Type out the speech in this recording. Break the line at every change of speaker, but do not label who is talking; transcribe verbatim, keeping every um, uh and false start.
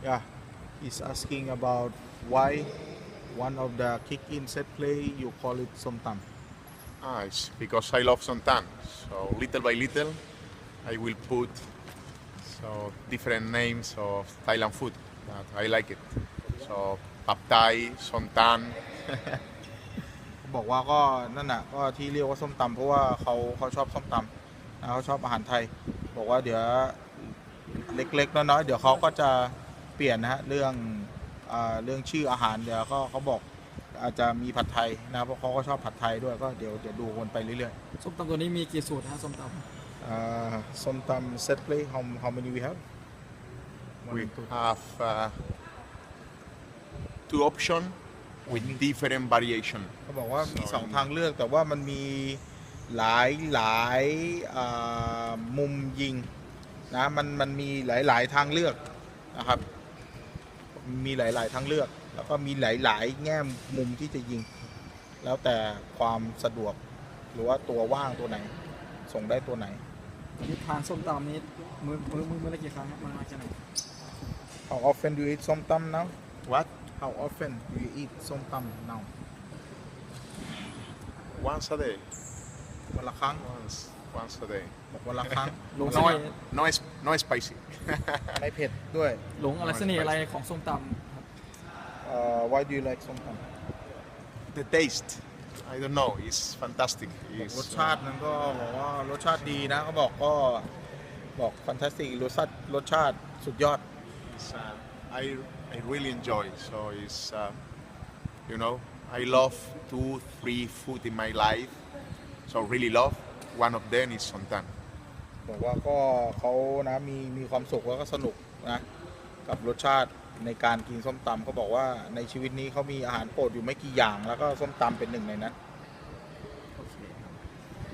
Yeah, he's asking about why one of the kick-in set play you call it somtam.
Ah, it's because I love Sontan. So little by little, I will put so different names of Thailand food that I like it. So Pad Thai, Sontan.
บอกว่าก็นั่นน่ะก็ที่เรียกว่าส้มตำเพราะว่าเขาเขาชอบส้มตำนะเขาชอบอาหารไทยบอกว่าเดี๋ยวเล็กๆน้อยๆเดี๋ยวเขาก็จะเปลี่ยนนะฮะเรื่องอ่าเรื่องชื่ออาหารเดี๋ยวเขาเขาบอกอาจจะมีผัดไทยนะเพราะเขาก็ชอบผัดไทยด้วยก็เดี๋ยวเดี๋ยวดูวนไปเรื่อย
ส้มตำตัวนี้มีกี่สูตรฮะส้มตำ
ๆอ่าส้มตำ set play how how many we have One,
We
two.
have uh, two options with different variation.
เขาบอกว่ามีสองทางเลือกแต่ว่ามันมีหลายหลายอ่ามุมยิงนะมันมันมีหลายหลายทางเลือกนะครับมีหลายหลายทางเลือก แล้วก็มีหลายหลายแง่มุมที่จะยิง แล้วแต่ความสะดวกหรือว่าตัวว่างตัวไหน ส่งได้ตัวไหน
ที่ทานส้มตำนี้มือมือมือมือละกี่ครั้งครับมันมาจากไหน
How often do you eat ส้มตำ now
What?
How often do you eat ส้มตำ now
Once a day.
วันละครั้ง
Once, once a day.
บอกวันละครั้ง
ลง
No,
เสน่ห์
no, es- no spicy.
ไม่เผ็ดด้วย
หลงอะไรเสน่ห์อะไรของส้มตำครับ
uh, Why do you like ส้มตำ
The taste, I don't know, it's fantastic.
บอก
It's,
รสชาตินั้นก็บอกว่ารสชาติดีนะเขาบอกก็บอกฟันตาสติกรสชาติรสชาติสุดยอด
it's, uh, I, I really enjoy. So it's, uh, you know, I love two, three food in my life. So really love. One of them is Sontan.
บอกว่าก็เขานะมีมีความสุขแล้วก็สนุกนะกับรสชาติในการกินส้มตำเขาบอกว่าในชีวิตนี้เขามีอาหารโปรดอยู่ไม่กี่อย่าง แล้วก็ส้มตำเป็นหนึ่งในนั้น